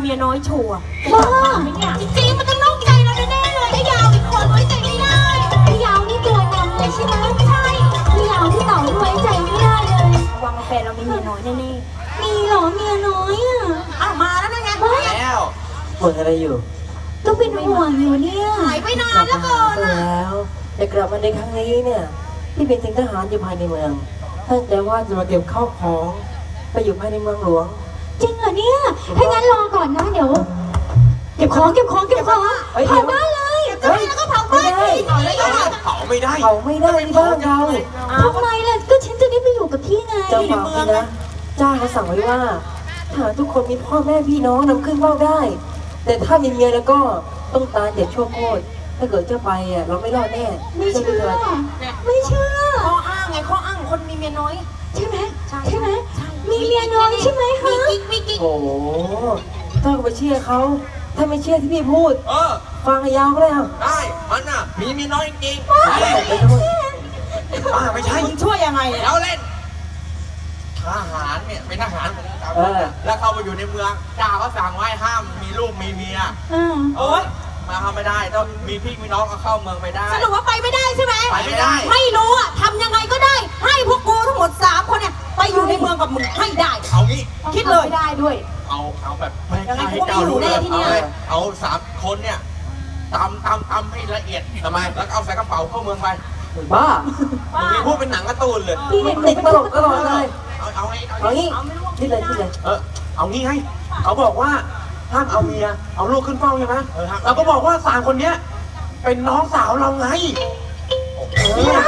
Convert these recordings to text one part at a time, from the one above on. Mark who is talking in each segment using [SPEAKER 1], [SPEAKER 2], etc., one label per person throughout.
[SPEAKER 1] มียน้อยชัวร์
[SPEAKER 2] บ้า
[SPEAKER 1] จริงๆมันต้องนอกใจเราแน่ๆเลยไอ้ยาวอีกคนไว้ใจไม่ได้
[SPEAKER 2] พี่ยาวนี่ตัวนำเลยใช่ไหมใช่พี่ยาวที่เต่าไว้ใจไม่ได้เลย
[SPEAKER 1] วังแฟนเรามีเมียน้อยแน่
[SPEAKER 2] มีเหรอเมียน้อยอ่ะ
[SPEAKER 1] ๆอ้าวมาแล้วนะไง
[SPEAKER 3] แล้ว
[SPEAKER 4] บ่นอะไรอยู่
[SPEAKER 2] ก็เป็นห่วงอยู่เนี่ย
[SPEAKER 1] หายไปนานแล้วเกิน
[SPEAKER 4] ก็
[SPEAKER 1] อ่ะ
[SPEAKER 4] แล้วแต่กลับมาในครั้งนี้เนี่ยที่เป็นถึงทหารอยู่ภายในเมืองตั้งใจว่าจะมาเก็บข้าวของไปอยู่ภายในเมืองหลวง
[SPEAKER 2] จริงเหรอเนี่ยถ้างั้นรอก่อนนะเดี๋ยวเก็บของเผาบ้านเลย
[SPEAKER 1] จะให้แล้วก็เผาบ้านอีกเอาเลยเอาเลย
[SPEAKER 3] เผาไม่ได้
[SPEAKER 4] เขาไม่ได้ที่บ้านเรา
[SPEAKER 2] ทำไมล่ะก็ฉันจะได้ไปอยู่กับพี่ไง
[SPEAKER 4] เจ้าฝากพี่นะเจ้าเขาสั่งไว้ว่าทหารทุกคนมีพ่อแม่พี่น้องนำขึ้นเฝ้าได้ แต่ถ้ามีเมียแล้วก็ต้องตายเจ็บชั่วโคตรถ้าเกิดเจ้าไปอ่ะเราไม่รอดแน่
[SPEAKER 2] ไม่เชื่อ
[SPEAKER 4] เถิด
[SPEAKER 2] ไม่เชื่อ
[SPEAKER 1] ข้ออ้างไงข้ออ้างคนมีเมียน้อย
[SPEAKER 2] ใช่ไหม
[SPEAKER 1] ใช่
[SPEAKER 2] ใช่ไหมมีเมียน้อยใช่ไหม
[SPEAKER 1] มี
[SPEAKER 2] ฮะ
[SPEAKER 1] กิ๊กมีกิ๊ก
[SPEAKER 4] โอ้โหถ้าไปเชื่อเขาถ้าไม่เชื่อที่พี่พูด
[SPEAKER 3] เออ
[SPEAKER 4] ฟังให้ยาวก็ได้อ่ะ
[SPEAKER 3] ได้ มันน่ะ มีเมียน้อยจริง
[SPEAKER 4] ไปไปทั้งหมด
[SPEAKER 3] ๆป้าไม่ใช่
[SPEAKER 1] มึงช่วยยังไงเนี่ย
[SPEAKER 3] เราเล่น ทหารเนี่ย เป็นทหารแล้วเข้ามาอยู่ในเมืองเจ้าก็สั่งไว้ห้ามมีลูกมีเมีย โอ๊ยมาทำไม่ได้ต้องมีพี่มีน้องก็เข้าเมืองไปได้
[SPEAKER 1] สรุปว่าไปไม่ได้ใช่ไหม
[SPEAKER 3] ไปไม่ได้
[SPEAKER 1] ไม่รู้อ่ะทำยังไงก็ได้ ให้พวกกูทั้งหมด3คนเนี่ยไปอยู่ในเมืองกับมึงให้ได้
[SPEAKER 3] เอางี้
[SPEAKER 1] คิดเลยได้ด้วย
[SPEAKER 3] เอาแบบไม่
[SPEAKER 1] ยังไง
[SPEAKER 3] ให้
[SPEAKER 1] กูก็ไม่
[SPEAKER 3] เจ้ารู้
[SPEAKER 1] อยู่
[SPEAKER 3] เล
[SPEAKER 1] แน่
[SPEAKER 3] ย
[SPEAKER 1] ที่เนี่ย
[SPEAKER 3] เอา3 คนเนี่ยตำให้ละเอียดทำไมแล้วก็เอาใส่กระเป๋าเข้าเมืองไป
[SPEAKER 4] บ้า
[SPEAKER 3] มึงมีพูดเป็นหนังการ์ตูนเลย
[SPEAKER 2] พี่เด็ก
[SPEAKER 4] ติดตลกตลอดเลย
[SPEAKER 3] เอาให้
[SPEAKER 4] เอางี้นี่เลยนี่เลย
[SPEAKER 3] เอางี้ให้เขาบอกว่าห้ามเอาเมียเอาลูกขึ้นเฝ้าใช่ไหมเราก็บอกว่า3 คนเนี้ยเป็นน้องสาวเราไง
[SPEAKER 4] ดีมาก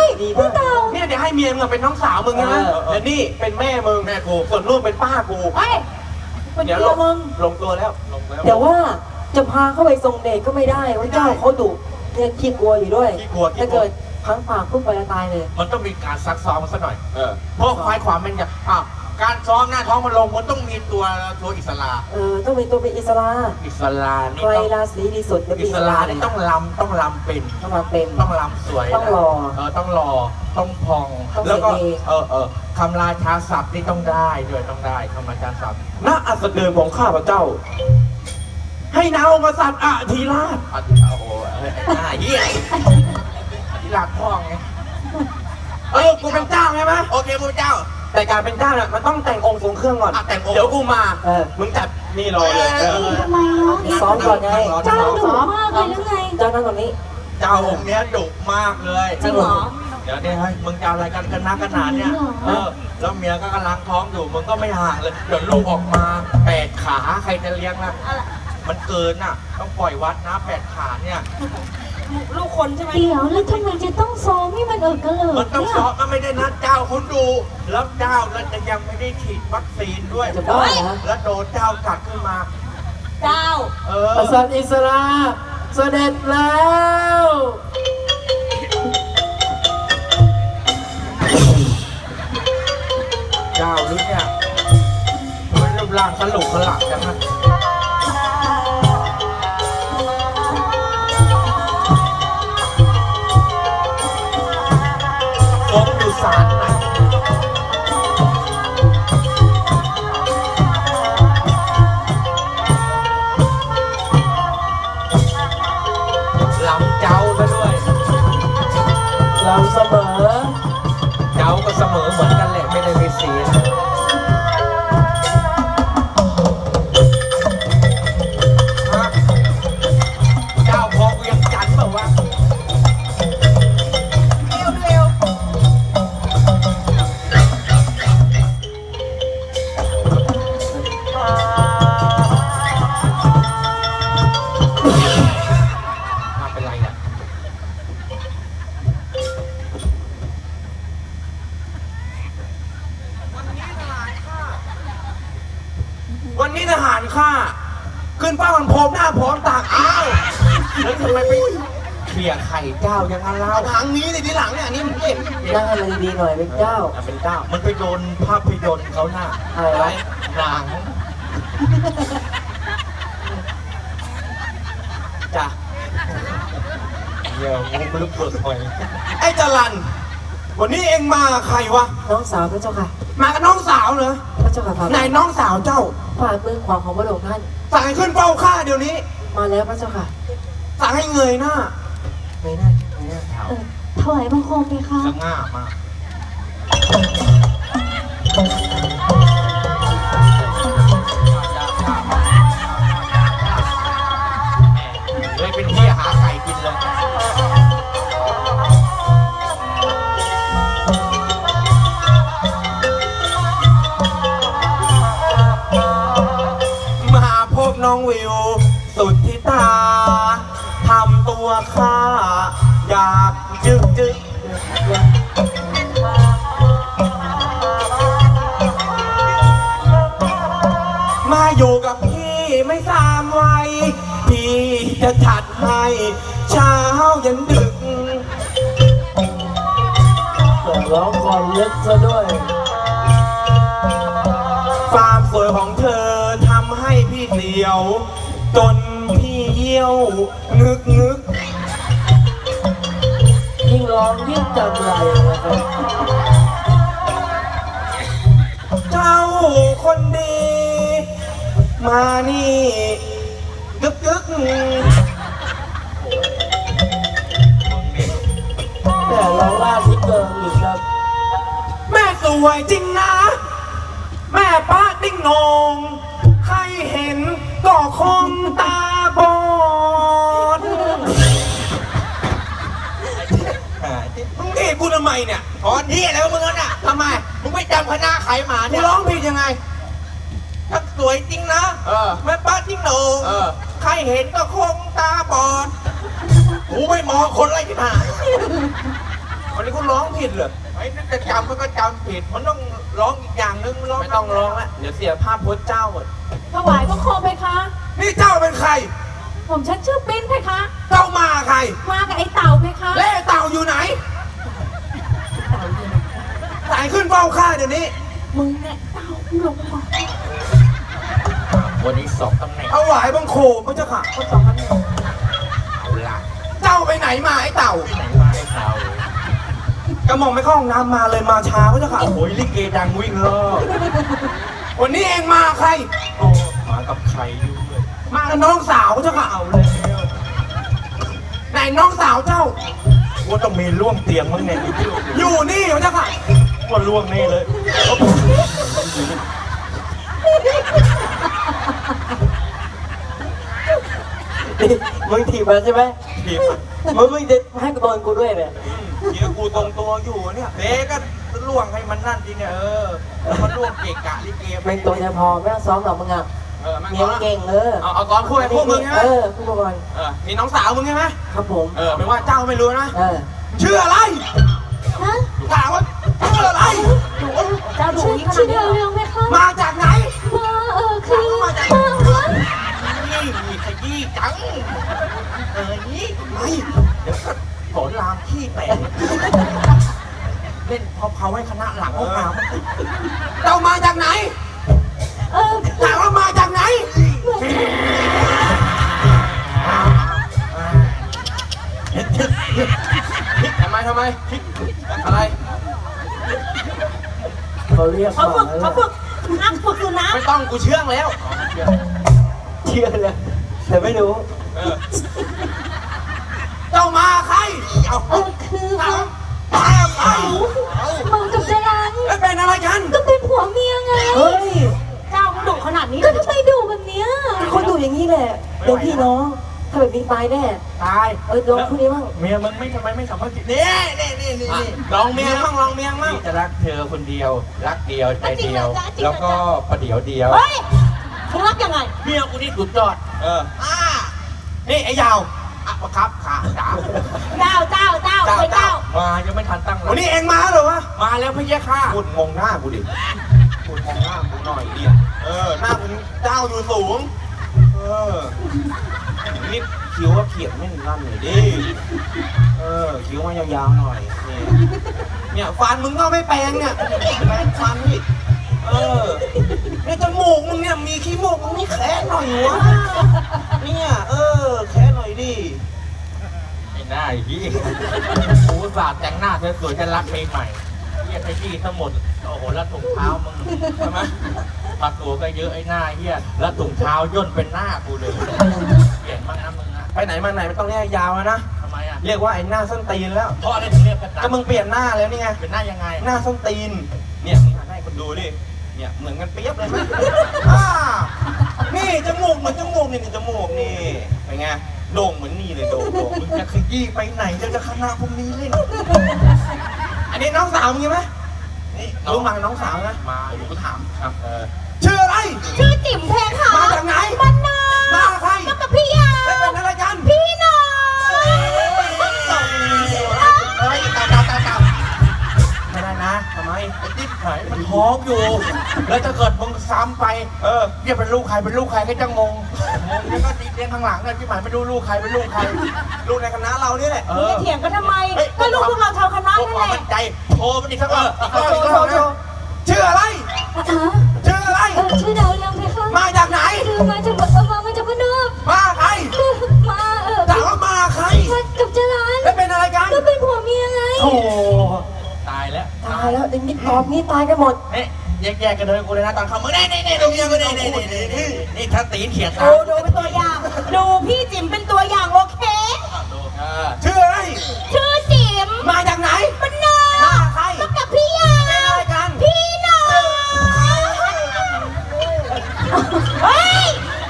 [SPEAKER 3] เนี่ยเดี๋ยวให้เมียมึงเป็นน้องสาวมึงนะและนี่เป็นแม่มึงแม่กูส่วนลูกเป็นป้ากู
[SPEAKER 1] เฮ้ยเป็น
[SPEAKER 3] เดี๋ยว
[SPEAKER 1] เมียมึง
[SPEAKER 3] ลงตัวแล้วลงแล้ว
[SPEAKER 4] แต่ว่าจะพาเข้าไปทรงเดชก็ไม่ได้ว่าเจ้าเขาดุเนี่ยขี้กลัวอยู่ด้วยถ้าเกิดพังปากพุ่งไปแล้วตายเลย
[SPEAKER 3] มันต้องมีการซักซ้อมมันสักหน่อยเพราะควายความเป็นอย่างการซ้อมหน้าท้องมันลงมันต้องมีตัวอิสระ
[SPEAKER 4] ต้องเป็นตัวเป็นอิสระ
[SPEAKER 3] อิสระนี่
[SPEAKER 4] ใคร
[SPEAKER 3] ต้อง
[SPEAKER 4] ราศีดีสุดจะ
[SPEAKER 3] อิสระนี่ต้องลำเป็น
[SPEAKER 4] ต้องมาเป็น
[SPEAKER 3] ต้องลำสวย
[SPEAKER 4] ต้องหล่อ
[SPEAKER 3] ต้องหล่อต้องพอง
[SPEAKER 4] ต้อง
[SPEAKER 3] แล้วก็
[SPEAKER 4] เสน่ห์
[SPEAKER 3] คำราชาศัพท์นี่ต้องได้ด้วยต้องได้คำราชาศัพท์
[SPEAKER 5] ณอัสดงของข้าพเจ้า ให้นางองค์กษัตริย์อธิราช
[SPEAKER 3] โอ้โหหน้าเหี้ยอธิราชพ่อไง
[SPEAKER 5] กูเป็นเจ้าใช่ไหม
[SPEAKER 3] โอเคพระเจ้า
[SPEAKER 5] แต่การเป็นเจ้าเนี่ยมันต้องแต่งองค์ทรงเครื่องก่อน
[SPEAKER 3] แต่งองค์
[SPEAKER 5] เดี๋ยวกูมา
[SPEAKER 4] มึง
[SPEAKER 5] จัดนี่รอเลย
[SPEAKER 2] ทำไมเนาะ
[SPEAKER 4] ซ้อมก่อนไง
[SPEAKER 2] เจ้าดุมากเลยแล้วไง
[SPEAKER 4] เจ้านั่งตรงนี้
[SPEAKER 3] เจ้าองค์เนี้ยดุมากเลย
[SPEAKER 1] จริงเหรอ
[SPEAKER 3] เดี๋ยวเนี่ยให้มึงจะเอาอะไรกันนักกันหนาเนี่ยแล้วเมียก็กำลังท้องอยู่มึงก็ไม่ห่างเลยเดี๋ยวลูกออกมา8 ขาใครจะเลี้ยงล่ะมันเกินน่ะต้องปล่อยวัดนะ8 ขาเนี่ย
[SPEAKER 1] ลูกคนใช่ไหม
[SPEAKER 2] เดี๋ยวแล้วทำไมจะต้องซ้อมให้มันกระเลิก
[SPEAKER 3] มันต้อง
[SPEAKER 2] เนี่ย
[SPEAKER 3] ซ้อมมันไม่ได้นัดเจ้าคุณดู แล้วเจ้าแล้วจะยังไม่ได้ฉีดวัคซีนด้วย
[SPEAKER 4] จะบ้าเหรอ
[SPEAKER 3] แล้วโดนเจ้ากัดขึ้นมา
[SPEAKER 1] เจ้า
[SPEAKER 4] กษัตริย์อิสระเสด็จแล้ว
[SPEAKER 3] เจ้าหรือเนี่ยมันรูปร่างขลุกขลักจังนะผมอยู่ศาลไหนลำเจ้าไปด้วย
[SPEAKER 4] เราเสมอ
[SPEAKER 3] เจ้าก็เสมอเหมือนกันแหละไม่ได้มีสีนะเจ้าพอเวียงจันทร์เปล่าวะเร็วเป็นไรอ่ะวันนี้ทหารข้าขึ้นเป้ามันพร้อมหน้าพร้อมตาอ้าวแล้วทำไมไปเขี่ยไข่เจ้ายังงั้นเล่าทางนี้เลยทีหลังเนี่ยอันนี้มันเก่ง
[SPEAKER 4] นั่งอะไรดีๆหน่อยเป็นเจ้า
[SPEAKER 3] เป็นเจ้ามันไปโดนภาพยนตร์เขาหน้า
[SPEAKER 4] อะไรวะ
[SPEAKER 3] หนังจ้ะเดี๋ยวมึงลึกเบิกหอย
[SPEAKER 5] ไอ้จรันวันนี้เองมาใครวะ
[SPEAKER 4] น้องสาวพระเจ้าค่ะ
[SPEAKER 5] มากับน้องสาวเหรอ
[SPEAKER 4] พระเจ้าค่ะ
[SPEAKER 5] ไหนน้องสาวเจ้า
[SPEAKER 4] ฝ่ามือขวาของพระองค์ท่าน
[SPEAKER 5] สั่งให้ขึ้นเฝ้าข้าเดี๋ยวนี้
[SPEAKER 4] มาแล้วพระเจ้าค่ะ
[SPEAKER 5] สั่งให้เงยหน้า
[SPEAKER 4] ไม่น่าไม่น่า
[SPEAKER 2] เออถวายบังคมเพคะ
[SPEAKER 3] สง่ามากเลยเป็นที่หาไก่กินเลย
[SPEAKER 5] มาพบน้องวิว สุดที่ตาทำตัวข้าอยากจึกจึกมาอยู่กับพี่ไม่สามวัยพี่จะจัดให้เช้ายันดึก
[SPEAKER 4] ร้องความลึกซะด้วย
[SPEAKER 5] ความสวยของเธอทำให้พี่เสียว จนพี่เยี่ยวงึกงึก
[SPEAKER 4] ยิ่งร้องยิ่งจำไรนะครับ
[SPEAKER 5] เจ้าคนดี มานี่กึกกึก
[SPEAKER 4] แต่ร้องล่าที่เกินอีกครับ
[SPEAKER 5] แม่สวยจริงนะ แม่ป้าติ้งนงใครเห็นก็คงตาบอดมึงเห็นกูทำไมเนี่ย
[SPEAKER 3] ตอนนี้อะไรวะมึงน่ะทำไม มึงไม่จำคณะใครมา
[SPEAKER 5] กู
[SPEAKER 3] เนี่ย
[SPEAKER 5] ร้องผิดยังไง
[SPEAKER 3] ทั้งสวยจริงนะ
[SPEAKER 5] เออ
[SPEAKER 3] แม่ป้าที่โหนง
[SPEAKER 5] เออ
[SPEAKER 3] ใครเห็นก็คงตาบอดกูไม่มองคนไรที่ไหน
[SPEAKER 5] วันนี้กูร้องผิดเหรอ
[SPEAKER 3] ไอ้นั่นจะจำมันก็จำผิด มันต้องร้องอีกอย่างนึงร้อง
[SPEAKER 5] ไม่ต้องร้องแล้วเดี๋ยวเสียภาพพจน์เจ้าหมด
[SPEAKER 1] ถวายบังคมเพคะ
[SPEAKER 5] นี่เจ้าเป็นใคร
[SPEAKER 1] ผมฉันชื่อปิ้นเพคะ
[SPEAKER 5] เจ้ามาใคร
[SPEAKER 1] มากับไอ้เต่าเพคะ
[SPEAKER 5] และไอ้เต่าอยู่ไหนสายขึ้นเฝ้าข้าเดี๋ยวนี้
[SPEAKER 1] มึงเนี่ยเต่าลงมา
[SPEAKER 3] วันนี้สองตำแหน่ง
[SPEAKER 5] เอาหวายบังโคมพระเจ้าค่ะ
[SPEAKER 1] คนสองคนเนี่ย
[SPEAKER 3] เอาละ
[SPEAKER 5] เจ้าไปไหนมาไอ้เต่า
[SPEAKER 3] ที่ไหนมาไอ้เต่าก
[SPEAKER 5] ระหม่อมไม่เข้าห้องน้ำมาเลยมาช้าพระเจ้าค่ะ
[SPEAKER 3] โอ้โหลิเกดังวิ่งรอบ
[SPEAKER 5] วันนี้เองมาใคร
[SPEAKER 3] โอ้มากับใครอยู่เลย
[SPEAKER 5] มากับน้องสาวพระเจ้าค่ะ
[SPEAKER 3] เอาเลย
[SPEAKER 5] ไหนน้องสาวเจ้า
[SPEAKER 3] ว่าต้องมีร่วมเตียงมั้งเนี่ย
[SPEAKER 5] อยู่นี่พระเจ้าค่ะ
[SPEAKER 3] ว่าร่วงแน่เลย
[SPEAKER 4] มึงถีบมาใช่ไหม
[SPEAKER 3] ทีม
[SPEAKER 4] มึงจะให้กูโดนกูด้วยเนี่ย
[SPEAKER 3] เดี๋ยวกูตรงตัวอยู่เนี่ยเด็กก็ล่วงให้มันนั่นจริงเนี่ยแล้วมันล่วงเกะกะลิเก
[SPEAKER 4] เป็นตัวจะพอไม่ต้องซ้อมหรอกมึงอ่ะ
[SPEAKER 3] แม่ง
[SPEAKER 4] เลี้ยง
[SPEAKER 3] เก่
[SPEAKER 4] เก่
[SPEAKER 3] ง
[SPEAKER 4] งเ
[SPEAKER 3] เอาก่อนพูดไอ้พวกมึงใช่ไหม
[SPEAKER 4] พูดมาก่อน
[SPEAKER 3] มีน้องสาวมึงใช่ไหม
[SPEAKER 4] ครับผม
[SPEAKER 3] ไม่ว่าเจ้าไม่รู้นะ
[SPEAKER 5] ชื่ออะไร
[SPEAKER 2] ฮะ
[SPEAKER 5] ถามว่าชื่ออะไร
[SPEAKER 1] เจ้าดู
[SPEAKER 2] ชื่อ
[SPEAKER 1] นี่ขนา
[SPEAKER 2] ชื่
[SPEAKER 1] ด
[SPEAKER 2] อ
[SPEAKER 1] นี้
[SPEAKER 2] เรืองไหมคะ
[SPEAKER 5] มาจากไหน
[SPEAKER 2] มาคือมา
[SPEAKER 3] นี่มีขยี้จังนี่ไม่เดี๋ยวก็สอนรามขี้แตกเล่นเผาให้คณะหลังห้องน้ำ
[SPEAKER 5] เจ้ามาจากไหน ถามว่ามาจากไหน
[SPEAKER 3] ทำไมอะไร
[SPEAKER 4] เขาเรียก
[SPEAKER 1] เขาฝึกนักฝึกสุนัข
[SPEAKER 3] ไม่ต้องกูเชื่องแล้ว
[SPEAKER 4] เชื่อเลยแต่ไม่รู้
[SPEAKER 5] เจ้ามาใคร เอา
[SPEAKER 2] คือมา
[SPEAKER 5] ตาไป
[SPEAKER 2] มากับจรัน
[SPEAKER 5] แล้วเป็นอะไรกัน
[SPEAKER 2] ก็เป็นผัวเมียไง
[SPEAKER 4] เฮ้ย
[SPEAKER 1] เจ้ามันดุขนาดนี้
[SPEAKER 2] ก็ทำไมดุแบบเนี้ย
[SPEAKER 4] คนดูอย่างนี้แหละเป็นพี่น้องถ้าแบบนี้ตายแน่
[SPEAKER 3] ตาย
[SPEAKER 4] ลองพูดนี้บ้าง
[SPEAKER 3] เมียมึงทำไมไม่สัมภาษณ์นี่ลองเมียมั่งพี่จะรักเธอคนเดียว รักเดียวใจเดียว แล้วก็ประเดี๋ยวเดียว
[SPEAKER 1] เฮ้ยมึงรักยังไง
[SPEAKER 3] เมียกูนี่สุดยอดนี่ไอ้ยาวประครับขาจ๋า
[SPEAKER 1] เจ้าไปเจ้า
[SPEAKER 3] มายังไม่ทันตั้งหลั
[SPEAKER 5] วันนี้เองมาเหรอวะ
[SPEAKER 3] มาแล้วพี่แย่ข้าพูดมองหน้ากูดิพูดมองหน้ากูหน่อยดิหน้ามึงเจ้าอยู่สูงนี่คิ้วว่าเขียนไม่นั่นหน่อยดิคิ้วมายาวๆหน่อยเนี่ยฟันมึงก็ไม่แปรงเนี่ยแปรงฟันนี่เนี่ยจมูกมึงเนี่ยมีขี้มูกมึงนี่แค่หน่อยวะเนี่ยแค่หน่อยดิไอ้หน้าไอ้พี่กูสาดแต่งหน้าสวยๆจะรักเพลงใหม่เรียกไปพี่ทั้งหมดโอ้โหแล้วถุงเท้ามึงใช่ไหมปลาตัวก็เยอะไอ้หน้าเฮียแล้วถุงเท้าย่นเป็นหน้ากูเลยเปลี่ยนบ้างนะมึงอะ
[SPEAKER 5] ไปไหนมาไหนไม่ต้องเรียกยาวแล้วนะ
[SPEAKER 3] ทำไมอะ
[SPEAKER 5] เรียกว่าไอ้หน้าส้นตีนแล้ว
[SPEAKER 3] เพราะอะไรถึงเรียกกัน
[SPEAKER 5] ก็มึงเปลี่ยนหน้าแล้วนี่ไง
[SPEAKER 3] เป็นหน้ายังไง
[SPEAKER 5] หน้าส้นตีน เนี่ยมึงหันให้คนดูดิ เนี่ยเหมือนกันเปียบเลยไหมอ่านี่จมูกเหมือนจมูกนี่จมูกนี่เป็นไงโด่งเหมือนนี่เลยโด่ง
[SPEAKER 3] มึงจะขยี้ไปไหนจะคณะพวกนี้เล่น
[SPEAKER 5] อันนี้น้องสาวมึงใช่ไหม
[SPEAKER 3] นี่
[SPEAKER 5] รู้มาน้องสาวนะ
[SPEAKER 3] มาอยู่ก็ถามครับ
[SPEAKER 5] ชื่ออะไร
[SPEAKER 1] ชื่อจิ๋มเพคะ
[SPEAKER 5] มาจากไหน
[SPEAKER 1] บ้านนา
[SPEAKER 5] มาใคร
[SPEAKER 1] มากับพี่ยา
[SPEAKER 5] แล้วเป็นอะไรกัน
[SPEAKER 1] พี่น้อง
[SPEAKER 3] เฮ้ยตามไม่ได้นะทำไมไอ้ติ๊บหายมันท้องอยู่ แล้วถ้าเกิดมึงซ้ำไปเรียกเป็นลูกใครเป็นลูกใครก็จะงงแล้วก็ตีเตียงข้างหลังเลยที่หมายไม่รู้ลูกใครเป็นลูกใคร
[SPEAKER 5] ลูกในคณะเรานี่แหละ
[SPEAKER 1] มึงจะเถียงกันทำไม ก็ลูกพวกเราชาวคณะ
[SPEAKER 3] พวก
[SPEAKER 1] นั่น
[SPEAKER 3] ความ
[SPEAKER 1] แห
[SPEAKER 3] มั่
[SPEAKER 1] ละ
[SPEAKER 3] นใจโทรมันอีกสักรอบ
[SPEAKER 5] โชว์ชื่ออะไร ชื่ออะไร
[SPEAKER 2] ชื่อดาวเรืองเพคะ
[SPEAKER 5] มาจากไหน
[SPEAKER 2] คือมาจากบ้านนอก
[SPEAKER 5] มาใคร
[SPEAKER 2] คือมา
[SPEAKER 5] ถามว่ามาใคร
[SPEAKER 2] มากับจรัน
[SPEAKER 5] แล้วเป็นอะไรกัน
[SPEAKER 2] ก็เป็นผัวเมียไง
[SPEAKER 4] โอ้
[SPEAKER 3] ตายแล้ว
[SPEAKER 4] ตายแล้วอย่างนี้ตอบนี้ตายกันหมด
[SPEAKER 3] นี่แยกกันเลยกูเลยนะตอนเขามึงนี่ตรงนี้นี่ถ้าตีนเขียนตา
[SPEAKER 1] ดูเป็นตัวอย่าง ดูพี่จิ๋มเป็นตัวอย่างโอเค
[SPEAKER 5] ชื่ออะไร
[SPEAKER 1] ชื่อจิ๋ม
[SPEAKER 5] มาจากไหน
[SPEAKER 1] บ้านนา
[SPEAKER 5] มาใคร
[SPEAKER 1] มากับพี่ยา
[SPEAKER 5] เป็นอะไรกัน
[SPEAKER 1] พี่น้องเฮ้ย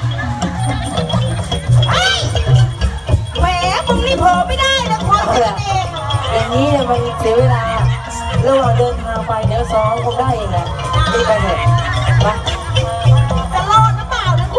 [SPEAKER 1] เฮ้ยแหมมึงนี่เผลอไม่ได้นะคอยกันเอง
[SPEAKER 4] อย่างนี้เนี่ยมันเสียเวลาระหว่างเดินทางไปเดี๋ยวซ้อมคงได้เองแหละรีบไปเถอะไป